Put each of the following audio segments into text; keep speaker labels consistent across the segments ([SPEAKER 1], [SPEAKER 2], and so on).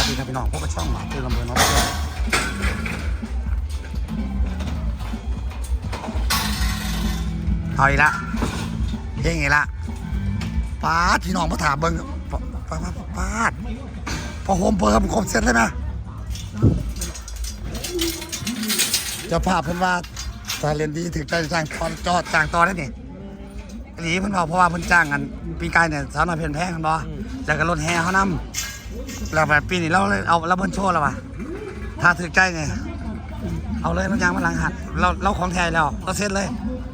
[SPEAKER 1] ดีครับพี่น้องพวกกระช่องหมาคือลำเบิร์นน้องเอาอีกละเฮ้งอีกละปาดพี่น้องมาถามเบิ้งปาดพอโฮมเปิดครบเสร็จเลยนะจะพาเพิ่นว่าถ้าเรียนดีถึงใจจ้างจอดจ้างต่อได้นี่หลีเพิ่นบอกเพราะว่าเพิ่นจ้างกันปีกายเนี่ยสาวน้อยเพียนแพงกันบ่แล้วก็รถแห่เขานำแล้วแบบปีนี้เราเลยเอาเราเพิ่นโชว์แล้วว่ะถ้าถึงใจเนี่ยเอาเลยมันยางมันหลังหัดเราของแท้แล้วเราเซ็ตเลย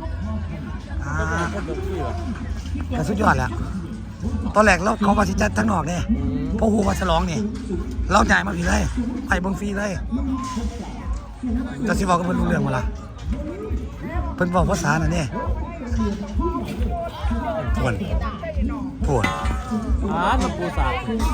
[SPEAKER 1] แต่สุดยอดแล้วตอนแรกเราเขาว่าสิจัดทั้งนอกเนี่ยเพราะฮูว่าฉลองนี่เราจ่ายมาพี่เลยไปเบิ่งฟรีเลยจะสิบอกกับเพิ่นรู้เรื่องบ่ล่ะเพิ่นบอกภาษาน่ะนี่พวน
[SPEAKER 2] มันปูสาด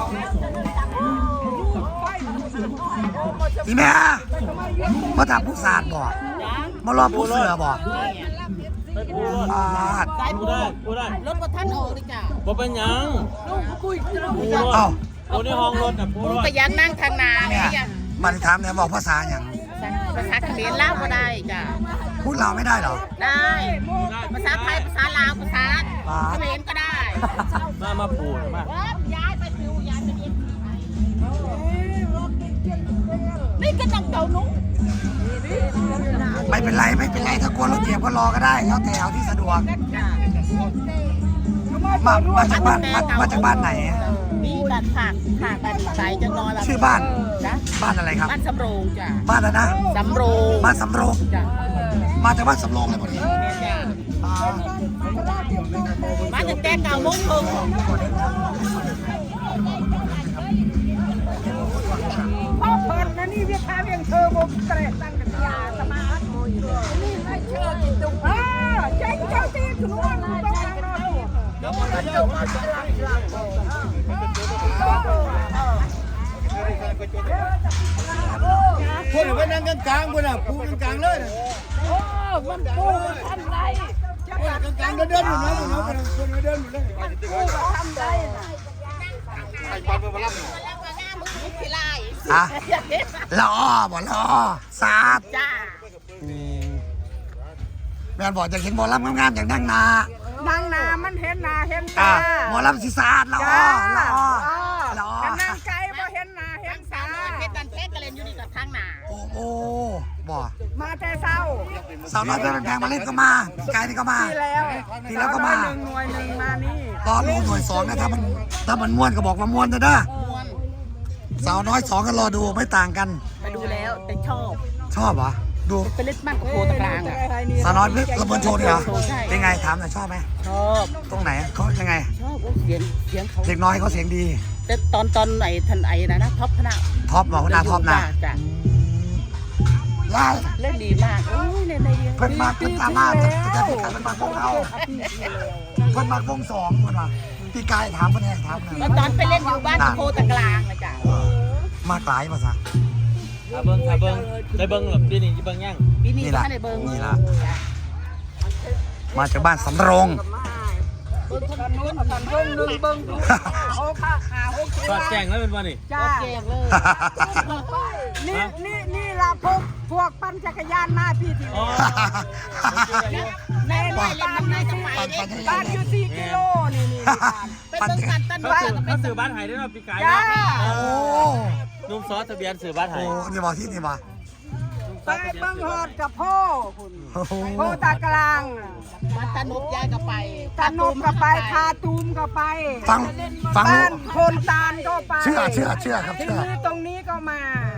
[SPEAKER 1] อีแม่มาถามผู้สาดบ่มารอผู้เสือบ่
[SPEAKER 2] ปูได้
[SPEAKER 3] รถก็ท่านออกเลยจ้ะ
[SPEAKER 2] บ่เป็นยัง
[SPEAKER 1] เอ้า
[SPEAKER 2] ปูในห้องรถน่ะปู
[SPEAKER 3] ไปยักนั่งทางนา
[SPEAKER 1] เนี่ยมาถามเนี่ยบอกภาษาอย่าง
[SPEAKER 3] ภาษาเขมรลาวก็ได้จ้ะ
[SPEAKER 1] พูดลาวไม่ได้หรอ
[SPEAKER 3] ได้ภาษาไทยภาษาลาวภาษาเขมรก็ได้
[SPEAKER 2] มาปูมา
[SPEAKER 3] ย้ายไปฟิวย้ายไปเรียนนี่ก็นั่งเก่านุ้ง
[SPEAKER 1] ไม่เป็นไรถ้ากลัวรถเหยียบก็รอก็ได้แล้วแต่เอาที่สะดวกมาจากบ้านไหน
[SPEAKER 3] นี่บ้านผักบ้านสายจะนอน
[SPEAKER 1] ชื่อบ้านอะไรครับ
[SPEAKER 3] บ้านสำโรงจ้ะ
[SPEAKER 1] บ้านอะไรนะ
[SPEAKER 3] สำโรง
[SPEAKER 1] บ้านสำโรง
[SPEAKER 3] จ้ะ
[SPEAKER 1] มาจากบ้านสำโรงเลยพอดี
[SPEAKER 3] มาจากแต่เก่ามุ้งคง
[SPEAKER 4] พ่อเปิดนะนี่เวียดนามยังเธอบุกเตะตั้งกันยาสมาร์ทโมยนี่ไม่เชื่อกินตุกเจ๊งเจ้าตีขนวนต้องการนอน
[SPEAKER 2] คนไปนั่งกลางคนอ่ะปูกลางเลย
[SPEAKER 4] โอ้มันปูทำไร
[SPEAKER 2] กลางเดินอยู่นะคนเดินอยู่เลย
[SPEAKER 4] ปูทำไรนะ
[SPEAKER 2] ไอ้บอลไปมารับ
[SPEAKER 1] รอบ่รอสาด
[SPEAKER 3] จ้า
[SPEAKER 1] แม่บอกจะเห็นบอลรับงามๆอย่างนั่งนา
[SPEAKER 4] มันเห็นนาเห็นตา
[SPEAKER 1] บอลรับสีสาดรอ
[SPEAKER 4] นั่งไกลบ่เห็นนาเห็นตา
[SPEAKER 3] เพชรดันเพชรกระเล่นอยู่นี่กับทางหนา
[SPEAKER 1] โอ้บ่
[SPEAKER 4] มาแต่เศร้า
[SPEAKER 1] สาวน้อยเป็นแพงมาเล่นก็มาไกลนี่ก็มาทีแล้วก็มา
[SPEAKER 4] หน่วยหนึ่งมานี่
[SPEAKER 1] รอดูหน่วย2นะถ้ามันม้วนก็บอกว่าม้วนนะสาวน้อย2ก็รอดูไม่ต่างกัน
[SPEAKER 3] ไปดูแล้วแต่ช
[SPEAKER 1] อบเหรอดู
[SPEAKER 3] ไปเล่นบ้านกับโคตะกลางอ่ะ
[SPEAKER 1] สาวน้อยระเบิดโชว์เหรอเป็นไงถามหน่อยชอบไหม
[SPEAKER 3] ชอบ
[SPEAKER 1] ตรงไหนเขายังไง
[SPEAKER 3] ชอบเสียงเขา
[SPEAKER 1] เด็กน้อยเขาเสียงดี
[SPEAKER 3] แต่ตอนไหนทันไอ้นะท็อปคณะ
[SPEAKER 1] บอกว่าท็อปนะ
[SPEAKER 3] เล่นดีมากเล่นได้ดี
[SPEAKER 1] เพิ่นสามารถจะเป็นการเป็นมาวงเราเพิ่นมาวง2เพิ่นว่าพี่กายถามเพิ่นถาม
[SPEAKER 3] แล้วตอนไปเล่นอยู่บ้านโคตะกลางนะจ๊ะ
[SPEAKER 1] มากหลายภาษา
[SPEAKER 2] เบิ้งได้เบิ้งหรอปีนี้จะเบิ้งยัง
[SPEAKER 3] ปีนี้ก็ได้เบิ้ง
[SPEAKER 1] นี่ละมาจากบ้านสำโรง
[SPEAKER 2] ก็แจ้งแล้วเป็นวันนี้
[SPEAKER 4] จ้า
[SPEAKER 3] แจ้งเลย
[SPEAKER 4] นี่ละพวกปั่นจักรยานมาพี่ที
[SPEAKER 3] แม่เล่นน้ำในจะไป
[SPEAKER 4] บ้านอยู่4 กิโลนี่
[SPEAKER 3] ไปเบิ้งกันต้นว่า
[SPEAKER 2] เขาสื่อบ้านไห้ได้เราปีกายนุ่มซอสทะเบียนสื่อบ้านไห้
[SPEAKER 1] นี่บอกที่นี่มา
[SPEAKER 4] ไปเบิ้งหอดกับพ่อคุณโคตากลาง
[SPEAKER 3] วัดตานุบยายก็ไป
[SPEAKER 4] ตานุบก็ไปคาตูมก็ไป
[SPEAKER 1] ฟัง
[SPEAKER 4] บ้านโคนตาลก็ไป
[SPEAKER 1] เชื่อครับ
[SPEAKER 4] ที่นี่ตรงนี้ก็มา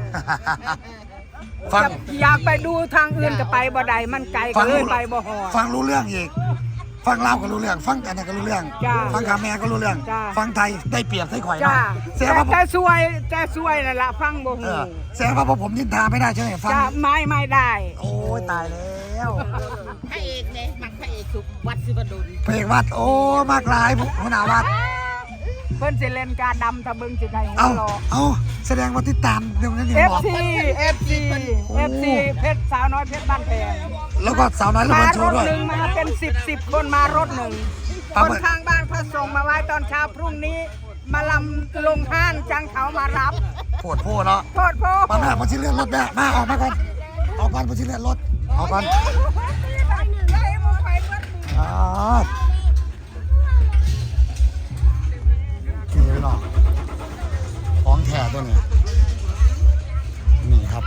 [SPEAKER 1] ฟัง
[SPEAKER 4] อยากไปดูทางอื่นก็ไปบ่ได้มันไกลก็เลยไปบ่หอด
[SPEAKER 1] ฟังรู้เรื่องอีกฟังลาวก็รู้เรื่องฟังกันก็รู้เรื่องฟังคาแม่ก็รู้เรื่องฟังไทยได้เปรียบไทยข่อยนะ
[SPEAKER 4] แกสวยนั่นละฟังบ่ฮู้
[SPEAKER 1] แสดงว่าผมนินทาไม่ได้ใช่ไหมฟัง
[SPEAKER 4] ไม่ได้
[SPEAKER 1] โอ้ยตายแล้ว
[SPEAKER 3] พระเอกเนี่ยมักพระเอกคือวัดศิวดล
[SPEAKER 1] พระเอกวัดโอ้มากหลายหัวหน้าวัด
[SPEAKER 4] เพิ่นสิเล่นการดำตะบึงสิได้
[SPEAKER 1] เอาแสดงว่าติดตามเรื่องนั้นอยู่บอก
[SPEAKER 4] FC เพชรสาวน้อยเพชรบ้านแพง
[SPEAKER 1] แล้วก็สาวน้อยระเบิดโชว์ด้วย
[SPEAKER 4] มาเป็น10คนมารถหนึ่งคนข้างบ้านเขาส่งมาไว้ตอนเช้าพรุ่งนี้มาลำลงห้านจังเขามารับ
[SPEAKER 1] ปวดโพเนาะ
[SPEAKER 4] โทษพ่อ
[SPEAKER 1] มาแม่ผมชิเลื่อนรถแม่มาออกมาก่อนออกก่อนผมชิเลื่อนรถออกก่อน
[SPEAKER 4] ยายมึงไปเมื่อ
[SPEAKER 1] อ่านี่พี่น้องของแท้ตัวนี้นี่ครับ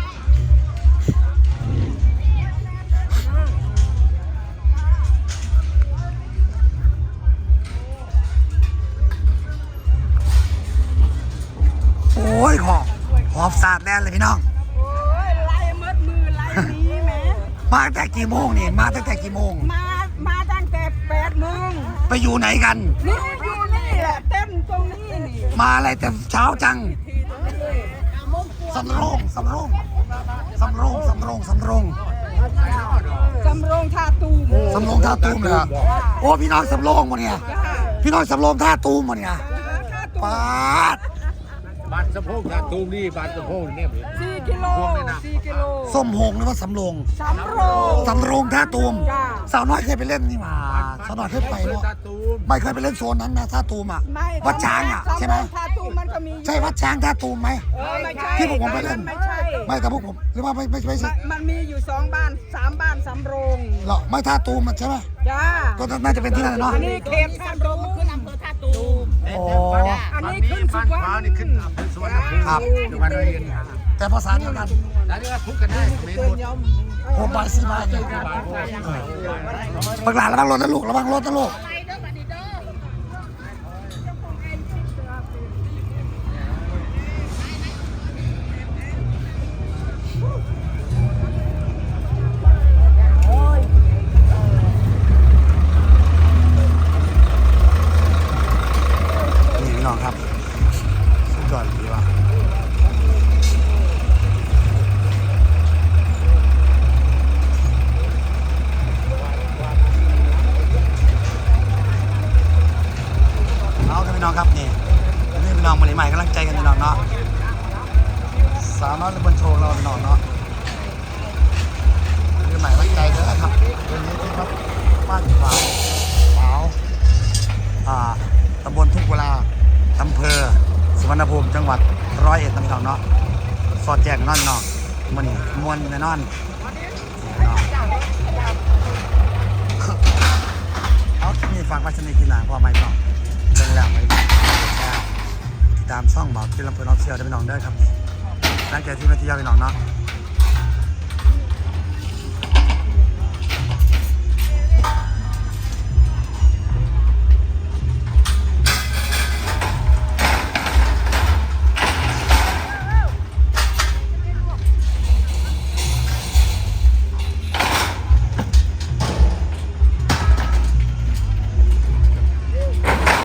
[SPEAKER 1] โอ้ยหอบสาดแน่เลยพี่น้อง
[SPEAKER 4] โอ้ยไล่มัดมือไล่นี้แหม
[SPEAKER 1] มาตั้งแต่กี่โมงนี่มาตั้งแต่กี่โมง
[SPEAKER 4] มาตั้งแต่8 โมง
[SPEAKER 1] ไปอยู่ไหนกัน
[SPEAKER 4] นี่อยู่นี่แหละเต้นตรงนี้นี่
[SPEAKER 1] มาอะไรแต่เช้าจังสำโรงสำโรงสำโรงสำโรงสำโรง
[SPEAKER 4] สำโรงท่าตูม
[SPEAKER 1] สำโรงท่าตูมเลยอะโอ้พี่น้องสำโรงมาเนี่ยพี่น้องสำโรงท่าตูมมาเนี่ย
[SPEAKER 4] ท่าตูม
[SPEAKER 1] ปาด
[SPEAKER 2] บ้านสะโพกนะตูมนี่บ้านสะโพกเนี่ย
[SPEAKER 4] 4 กิโล4 กิโล
[SPEAKER 1] ส้มโฮงหรือว่าสำโรง
[SPEAKER 4] สำโรง
[SPEAKER 1] สำโรงท่าตูม
[SPEAKER 4] จ้า
[SPEAKER 1] สาวน้อยเคยไปเล่นนี่มาสาวน้อยเคยไปเนาะ
[SPEAKER 2] ตาตูม
[SPEAKER 1] ไม่เคยไปเล่นโซนนั้นนะท่าตูมอ่ะ
[SPEAKER 4] ไม่
[SPEAKER 1] วัดช้างอ่ะใช่ไหม
[SPEAKER 4] ท่าตูมมันก็มี
[SPEAKER 1] ใช่วัดช้างท่าตูมไหม
[SPEAKER 4] ไม่ใช่
[SPEAKER 1] ที่พวกผมไปเล่น
[SPEAKER 4] ไม่ใช่
[SPEAKER 1] ไม่แต่พวกผมหรือว่าไม่ใช่
[SPEAKER 4] มันมีอยู่2 บ้าน 3 บ้านสำโรง
[SPEAKER 1] เหรอไม่ท่าตูมอะใช่ไหม
[SPEAKER 4] จ้า
[SPEAKER 1] ก็น่าจะเป็นที่นั่นเนาะ
[SPEAKER 4] อันนี้เขตท่าตูม
[SPEAKER 3] ขึ้นอำเภอท่าตูม
[SPEAKER 1] โอ้
[SPEAKER 4] อันนี้ขึ้นสุวรรณ
[SPEAKER 2] นี่ขึ้นอำเภอสวนภูมิ
[SPEAKER 1] ครับ
[SPEAKER 2] จังหวัดร้อยเอ็ด
[SPEAKER 1] แต่ภาษาเดียวกัน
[SPEAKER 2] แล้วนี่ก็ทุกกันได้ไม่หมด
[SPEAKER 1] โอ้บายสิบายเนี่ยบักหลานระวังรถนะลูกระวังรถนะลูก
[SPEAKER 3] ไปเด้อบัดนี้เด้อ
[SPEAKER 1] นี่พี่น้องครับสุดยอดดีว่ะเอาครับพี่น้องครับนี่พี่น้องมาใหม่กำลังใจกันพี่น้องเนาะสาวน้อยระเบิดโชว์เราพี่น้องเนาะพี่ใหม่กำลังใจเด้อครับวันนี้ที่ครับบ้านฝางสาวตำบลทุ่งกุลาอำเภอสุวรรณภูมิจังหวัดร้อยเอ็ดนะพี่น้องเนาะสอดแจกนอนเนาะมันนี่มวนแน่นอนเอาที่นี่ฝากไว้สนิทกินหนาพอไหมพี่น้องเรื่องแล้วไปแชร์ติดตามช่องบอกที่ลำเพลินออฟเชียลได้พี่น้องเด้อครับนี่หลังจากที่มาเที่ยวพี่น้องเนาะ